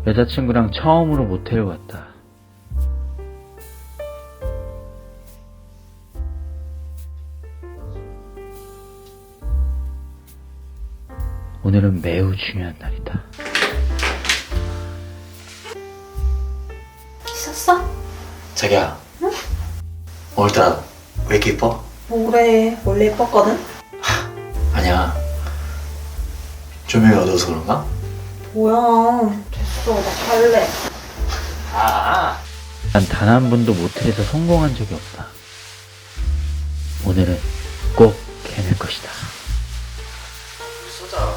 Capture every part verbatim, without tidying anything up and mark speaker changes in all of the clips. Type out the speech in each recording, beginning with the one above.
Speaker 1: 여자친구랑 처음으로 모텔을 갔다. 오늘은 매우 중요한 날이다.
Speaker 2: 있었어?
Speaker 3: 자기야. 응? 오늘따라 왜 이렇게 이뻐?
Speaker 2: 뭐래, 원래 예뻤거든?
Speaker 3: 아니야. 조명이 어두워서 그런가?
Speaker 2: 뭐야, 됐어, 나 갈래.
Speaker 3: 아.
Speaker 1: 난 단 한 번도 모텔에서 성공한 적이 없다. 오늘은 꼭 해낼 것이다.
Speaker 3: 쏘자.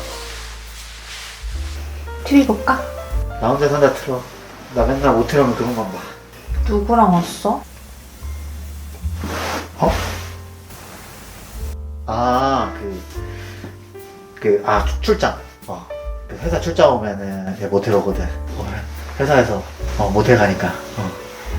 Speaker 2: 티비 볼까?
Speaker 3: 나 혼자 산다 틀어. 나 맨날 모텔 오면 그것만 봐.
Speaker 2: 누구랑 왔어?
Speaker 3: 어? 아, 그, 그, 아, 출- 출장. 어. 그 회사 출장 오면은 얘 모텔 오거든. 어, 회사에서, 어, 모텔 가니까. 어.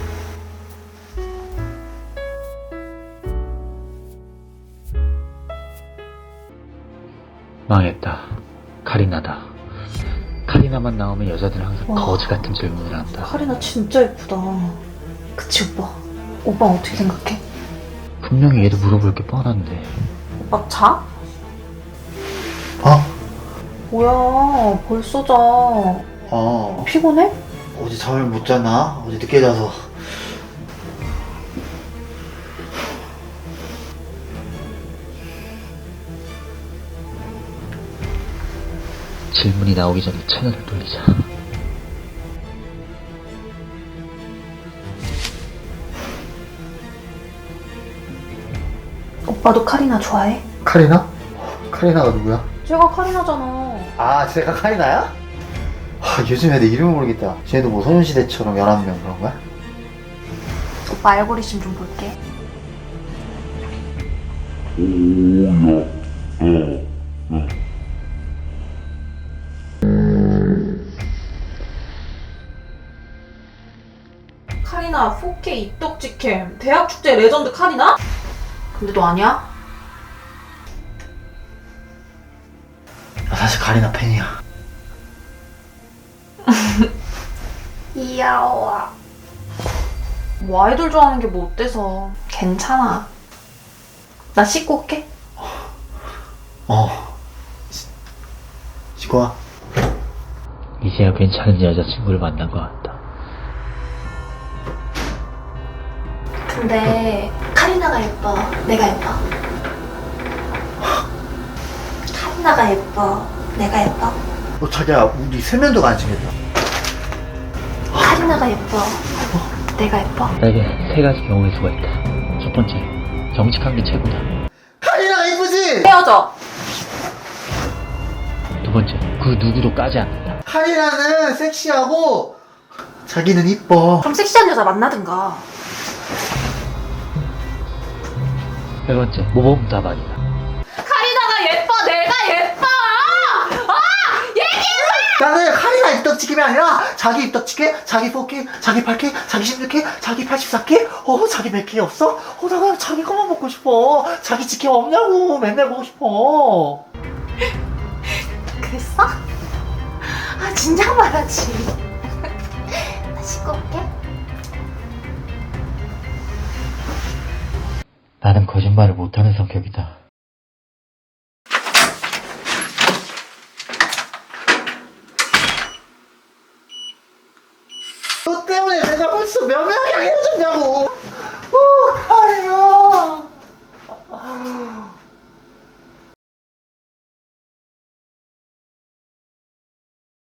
Speaker 1: 망했다. 카리나다. 카리나만 나오면 여자들은 항상
Speaker 2: 와.
Speaker 1: 거지 같은 질문을 한다.
Speaker 2: 카리나 진짜 예쁘다. 그치, 오빠? 오빠 어떻게 생각해?
Speaker 1: 분명히 얘도 물어볼 게 뻔한데.
Speaker 2: 오빠 자?
Speaker 3: 어?
Speaker 2: 뭐야, 벌써 자.
Speaker 3: 어.
Speaker 2: 피곤해?
Speaker 3: 어제 잠을 못 잤나? 어제 늦게 자서.
Speaker 1: 질문이 나오기 전에 채널을 돌리자.
Speaker 2: 오빠도 카리나 좋아해?
Speaker 3: 카리나? 카리나가 누구야?
Speaker 2: 제가 카리나잖아.
Speaker 3: 아, 제가 카리나야? 아, 요즘 애들 이름을 모르겠다. 쟤도 뭐 소년시대처럼 열한 명 그런 거야?
Speaker 2: 오빠 알고리즘 좀 볼게. 카리나 포케이 입덕지캠 대학축제 레전드 카리나? 근데 너 아니야?
Speaker 3: 나 사실 카리나 팬이야.
Speaker 2: 이야와. 뭐 아이돌 좋아하는 게 뭐 어때서. 괜찮아. 나 씻고 올게.
Speaker 3: 어. 시- 씻고 와.
Speaker 1: 이제야 괜찮은 여자친구를 만난 것 같다.
Speaker 2: 근데 카리나가 예뻐. 내가 예뻐. 카리나가 예뻐. 내가 예뻐.
Speaker 3: 어, 자기야, 우리 세면도가 안 챙겼다.
Speaker 2: 카리나가 예뻐. 내가 예뻐.
Speaker 1: 나에게 세 가지 경우의 수가 있다. 첫 번째, 정직한 게 최고다.
Speaker 3: 카리나가 이쁘지?
Speaker 2: 헤어져.
Speaker 1: 두 번째, 그 누구도 까지 않는다.
Speaker 3: 카리나는 섹시하고 자기는 이뻐.
Speaker 2: 그럼 섹시한 여자 만나든가.
Speaker 1: 세 번째, 모범답안이다.
Speaker 2: 카리나가 예뻐. 내가 예뻐. 아! 얘기해봐.
Speaker 3: 나는 카리나 입덕치기가 아니라 자기 입덕치기, 자기 사 개, 자기 팔 개, 자기 십육 개, 자기 팔십사 개, 어, 자기 몇 개 없어? 어, 나 그냥 자기 것만 먹고 싶어. 자기 치킨 없냐고 맨날 보고 싶어.
Speaker 2: 그랬어? 아, 진작 말하지. 나 씻고 올게.
Speaker 1: 나는 거짓말을 못하는 성격이다.
Speaker 3: 너 때문에 내가 벌써 몇 명이랑 헤어졌냐고.